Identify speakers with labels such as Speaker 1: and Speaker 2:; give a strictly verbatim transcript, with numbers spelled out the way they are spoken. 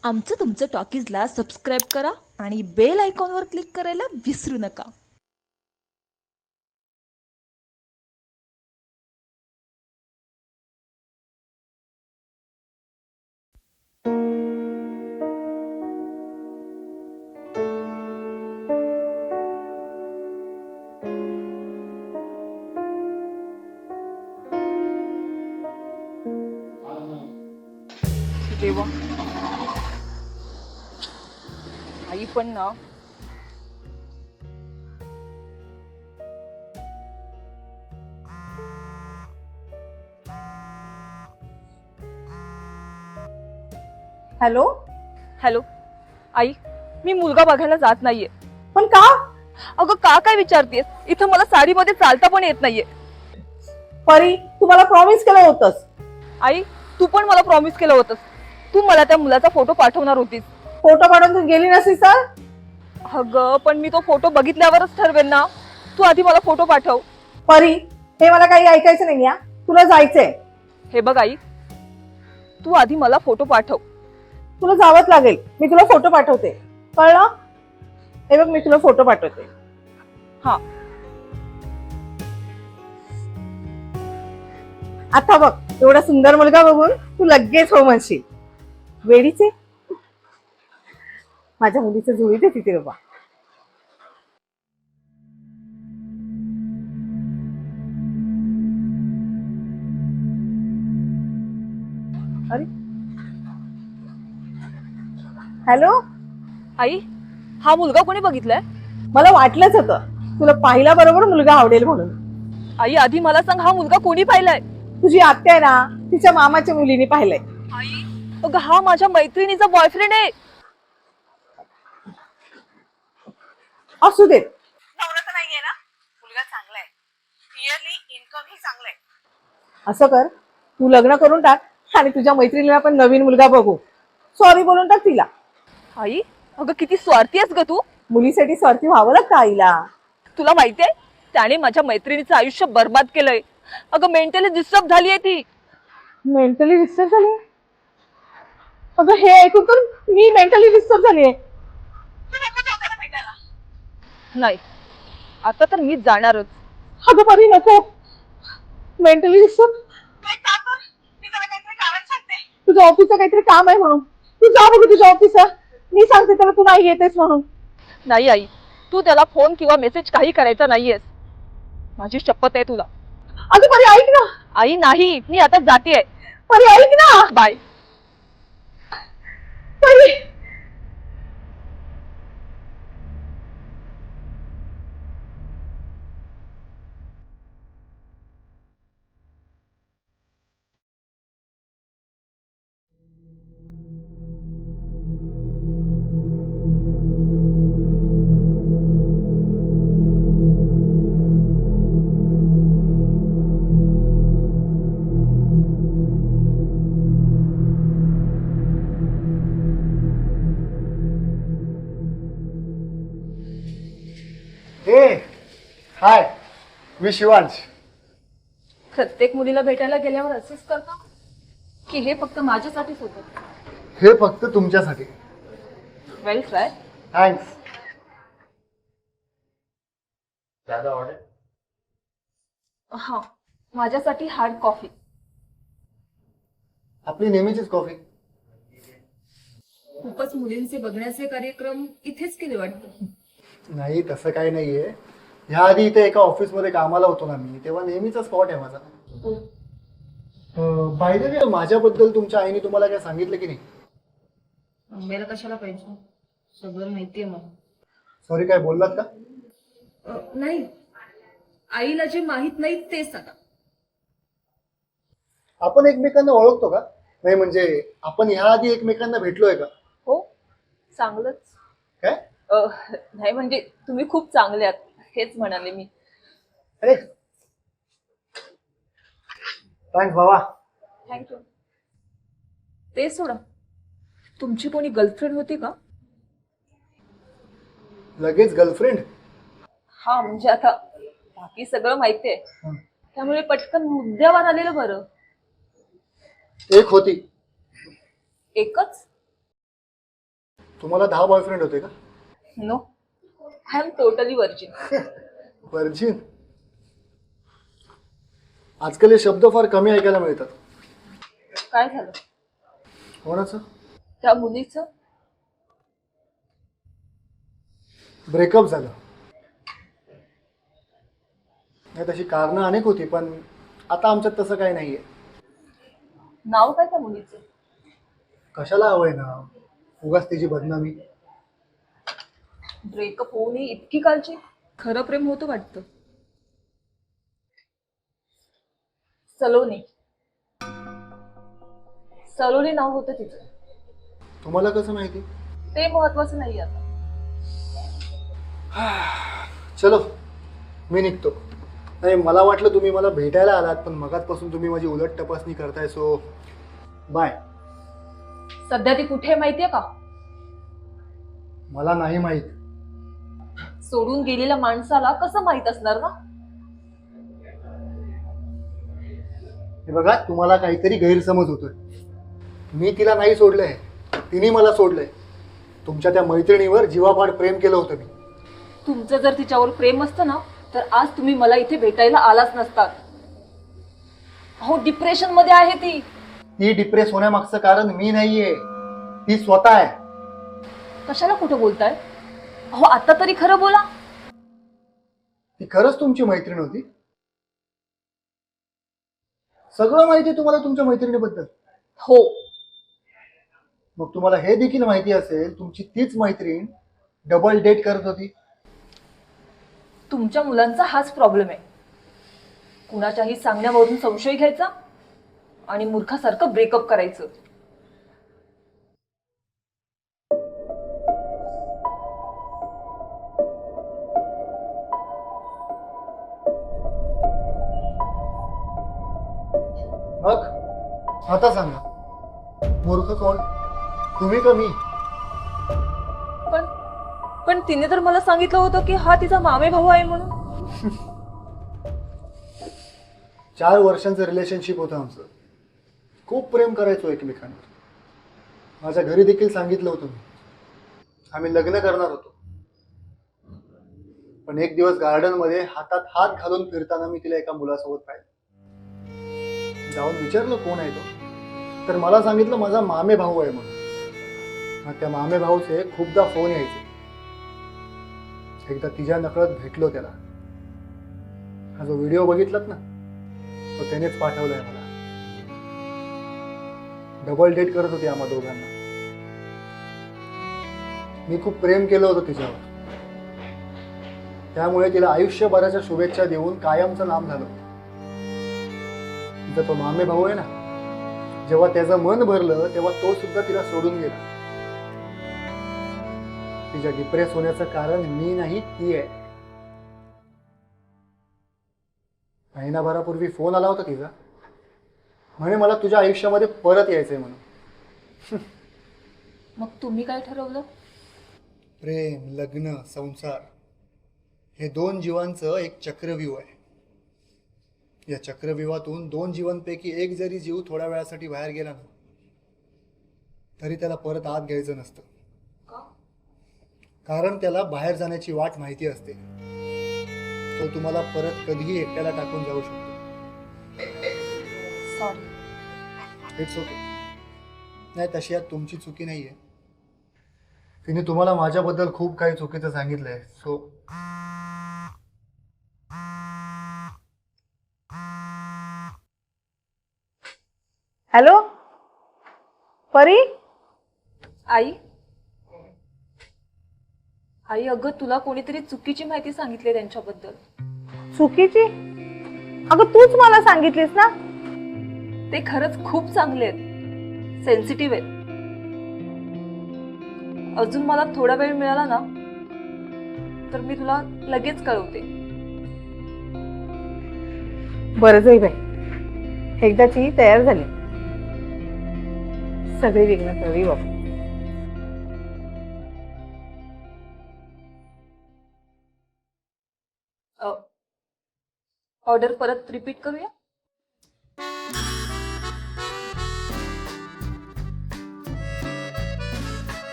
Speaker 1: आमचं तुमचं टॉकीजला सबस्क्राईब करा आणि बेल आयकॉनवर क्लिक करायला विसरू नका.
Speaker 2: देवा, आई पण ना.
Speaker 3: हॅलो.
Speaker 2: हॅलो आई, मी मुलगा बघायला जात नाहीये.
Speaker 3: पण का?
Speaker 2: अगं का काय विचारतेस? इथं मला साडीमध्ये चालता पण येत नाहीये.
Speaker 3: परी, तू मला प्रॉमिस केलं होतंस.
Speaker 2: आई, तू पण मला प्रॉमिस केलं होतंस. तू मला त्या मुलाचा फोटो पाठवणार होतीस.
Speaker 3: फोटो काढून तू गेली नसती तर?
Speaker 2: अगं पण मी तो फोटो बघितल्यावरच ठरवेन ना. तू आधी मला फोटो पाठव.
Speaker 3: परी, हे मला काही ऐकायचं नाही. या तुला जायचंय.
Speaker 2: हे बघ आई, तू आधी मला फोटो पाठव.
Speaker 3: तुला जावंच लागेल. मी तुला फोटो पाठवते, कळलं? हे बघ, मी तुला फोटो पाठवते.
Speaker 2: हा.
Speaker 3: आता बघ, एवढा सुंदर मुलगा बघून तू लगेच हो म्हणशील. वेडीचे, माझ्या मुलीचं जुळी दे तिथे बाबा. अरे, हॅलो.
Speaker 2: आई, हा मुलगा कोणी बघितलाय?
Speaker 3: मला वाटलंच होतं तुला पाहिला बरोबर मुलगा आवडेल म्हणून.
Speaker 2: आई, आधी मला सांग, हा मुलगा कोणी पाहिलाय?
Speaker 3: तुझी आत्या आहे ना, तिच्या मामाच्या मुलीने पाहिलंय.
Speaker 2: आई, अगं हा माझ्या मैत्रिणीचा बॉयफ्रेंड आहे.
Speaker 3: असू देत, नवरा तर नाहीये ना, मुलगा चांगला आहे, इयरली इन्कम ही चांगलं आहे. असं कर, तू लग्न करून टाक आणि तुझ्या मैत्रिणीला पण नवीन मुलगा बघू. सॉरी बोलून टाक तिला.
Speaker 2: आई, अगं किती स्वार्थी आहेस ग तू.
Speaker 3: मुलीसाठी स्वार्थी व्हावं लागतं आईला.
Speaker 2: तुला माहितीये, त्याने माझ्या मैत्रिणीचं आयुष्य बर्बाद केलंय. अगं मेंटली डिस्टर्ब झालीये ती.
Speaker 3: मेंटली डिस्टर्ब झाली? अगं हे ऐकून तर मी मेंटली डिस्टर्ब झालीये.
Speaker 2: नाही, आता तर मीच जाणारच.
Speaker 3: अगं परी नको. मेंटली डिस्टर्ब, तुझ्या ऑफिसचं काहीतरी काम आहे म्हणून तू जा बघू तुझ्या ऑफिसला. मी सांगते त्याला तू नाही येतेस म्हणून.
Speaker 2: नाही आई, तू त्याला फोन किंवा मेसेज काही करायचा नाहीयेस. माझी शपथ आहे तुला.
Speaker 3: अगं परी ऐक ना.
Speaker 2: आई नाही, मी आता जातेय.
Speaker 3: परी ऐक ना.
Speaker 2: बाय.
Speaker 3: परी,
Speaker 4: हे हाय, मी शिवांश.
Speaker 2: प्रत्येक मुलीला भेटायला गेल्यावर असेच करता की हे फक्त माझ्यासाठीच होतं?
Speaker 4: हे फक्त तुमच्यासाठी.
Speaker 2: Well try.
Speaker 4: थँक्स.
Speaker 2: हा, माझ्यासाठी हार्ड कॉफी.
Speaker 4: आपली नेहमीचीच कॉफी.
Speaker 2: खूपच मुलींचे बघण्याचे कार्यक्रम इथेच केले वाटतं.
Speaker 4: नाही, तसं काही नाहीये. ह्या आधी इथे एका ऑफिस मध्ये कामाला होतो ना मी, तेव्हा नेहमीचा स्पॉट आहे माझा. बाय द वे, माझ्याबद्दल तुमच्या आईने तुम्हाला काय सांगितलं की नाही?
Speaker 2: आंब्याला कशाला पाहिजे, सगळं माहितीये मला.
Speaker 4: सॉरी, काय बोललात का?
Speaker 2: नाही, आईला जे माहित नाही ते सांगा.
Speaker 4: आपण एकमेकांना ओळखतो का? नाही म्हणजे आपण ह्या आधी एकमेकांना भेटलोय का?
Speaker 2: हो, चांगलंच.
Speaker 4: काय?
Speaker 2: अ, नाही म्हणजे तुम्ही खूप चांगले आहात हेच म्हणाले मी.
Speaker 4: अरे थँक्स बाबा.
Speaker 2: थँक्यू. ते सोडा, तुमची कोणी गर्लफ्रेंड होती का?
Speaker 4: लगेच गर्लफ्रेंड?
Speaker 2: हा म्हणजे आता बाकी सगळं माहितीये, त्यामुळे पटकन मुद्द्यावर आलेलं बरं.
Speaker 4: एक होती.
Speaker 2: एकच?
Speaker 4: तुम्हाला दहा बॉयफ्रेंड होते का?
Speaker 2: No, I am totally virgin.
Speaker 4: Virgin? आजकाल हे शब्द फार कमी ऐकायला मिळतात.
Speaker 2: काय झालं?
Speaker 4: कोणाचं?
Speaker 2: त्या मुलीचं?
Speaker 4: ब्रेकअप झालं. नाही तशी कारणं अनेक होती, पण आता आमच्यात तसं काही नाहीये.
Speaker 2: नाव काय त्या मुलीचं?
Speaker 4: कशाला हवंय ना उगाच तिची बदनामी.
Speaker 2: ब्रेकअप होऊ नये इतकी काळजी? खरं प्रेम होतं वाटतं. सलोनी. सलोनी नाव होतं तिचं.
Speaker 4: तुम्हाला कसं माहिती?
Speaker 2: ते महत्वाचं नाही आता.
Speaker 4: चलो मी निघतो. नाही मला वाटलं तुम्ही मला भेटायला आलात, पण मगाचपासून तुम्ही माझी उलट तपासणी करताय, सो बाय.
Speaker 2: सध्या ती कुठे माहितीये का?
Speaker 4: मला नाही माहित.
Speaker 2: सोडून गेलेल्या माणसाला कसं माहित असणार ना?
Speaker 4: हे बघा तुम्हाला काहीतरी गैरसमज होतोय. मी तिला नाही सोडलंय, तिने मला सोडलंय. तुमच्या त्या मैत्रिणीवर जीवापाड प्रेम केलं होतं मी.
Speaker 2: तुमचं जर तिच्यावर प्रेम असतं ना तर आज तुम्ही मला इथे भेटायला आलाच नसतात. हो, डिप्रेशन मध्ये आहे ती.
Speaker 4: ती डिप्रेस होण्यामागचं कारण मी नाहीये, ती स्वतः आहे.
Speaker 2: कशाला कुठं बोलताय? हो, आता तरी खरं बोला.
Speaker 4: ती खरंच तुमची मैत्रीण होती? सगळं माहिती तुम्हाला तुमच्या मैत्रिणीबद्दल?
Speaker 2: हो.
Speaker 4: मग तुम्हाला हे देखील माहिती असेल तुमची तीच मैत्रीण डबल डेट करत होती?
Speaker 2: तुमच्या मुलांचा हाच प्रॉब्लेम आहे. कुणाच्याही सांगण्यावरून संशय घ्यायचा आणि मूर्खासारखं ब्रेकअप करायचं.
Speaker 4: मग आता सांगा, मूर्ख कोण, तुम्ही का मी?
Speaker 2: पण पण तिने तर मला सांगितलं होतं की हा तिचा मामे भाऊ आहे म्हणून.
Speaker 4: चार वर्षांचं रिलेशनशिप होतं आमचं. खूप प्रेम करायचो एकमेकांवर. माझ्या घरी देखील सांगितलं होतं मी. आम्ही लग्न करणार होतो. पण एक दिवस गार्डन मध्ये हातात हात घालून फिरताना मी तिला एका मुलासोबत पाहिलं. जाऊन विचारलं कोण आहे तो, तर मला सांगितलं माझा मामे भाऊ आहे म्हणून. मग त्या मामे भाऊचे खूपदा फोन यायचे. एकदा तिच्या नकळत भेटलो त्याला. हा जो व्हिडिओ बघितलात ना तो त्यानेच पाठवलाय मला. डबल डेट करत होती आम्हा दोघांना. मी खूप प्रेम केलं होतं तिच्यावर. त्यामुळे तिला आयुष्यभराच्या शुभेच्छा देऊन कायमचं नाम झालं. तिचा तो मामे भाऊ आहे ना, जेव्हा त्याचं मन भरलं तेव्हा तो सुद्धा तिला सोडून गेला. तिच्या डिप्रेस होण्याचं कारण मी नाही, ती आहे. महिनाभरापूर्वी फोन आला होता तिचा, म्हणे मला तुझ्या आयुष्यामध्ये परत यायचंय म्हणून.
Speaker 2: मग तुम्ही काय ठरवलं?
Speaker 4: प्रेम, लग्न, संसार हे दोन जीवांचं एक चक्रव्यूह आहे. या चक्रव्यूहातून दोन जीवांपैकी एक जरी जीव थोड्या वेळासाठी बाहेर गेला ना तरी त्याला परत आत घ्यायचं नसतं. कारण त्याला बाहेर जाण्याची वाट माहिती असते. तो तुम्हाला परत कधीही एकट्याला टाकून जाऊ शकतो.
Speaker 2: सॉरी.
Speaker 4: It's okay. नाही तशी यात तुमची चुकी नाहीये. तिने तुम्हाला माझ्याबद्दल खूप काही चुकीचं सांगितलंय. सो
Speaker 3: हॅलो परी.
Speaker 2: आई आई अगं तुला कोणीतरी चुकीची माहिती सांगितली त्यांच्याबद्दल.
Speaker 3: चुकीची? अगं तूच मला सांगितलीस ना.
Speaker 2: ते खरंच खूप चांगले आहेत, सेन्सिटिव्ह आहेत. अजून मला थोडा वेळ मिळाला ना तर मी तुला लगेच कळवते.
Speaker 3: बरं जाई बाई, एकदाची तयार झाली. सगळी विघ्न कळली बाबा.
Speaker 2: ऑर्डर परत रिपीट करूया.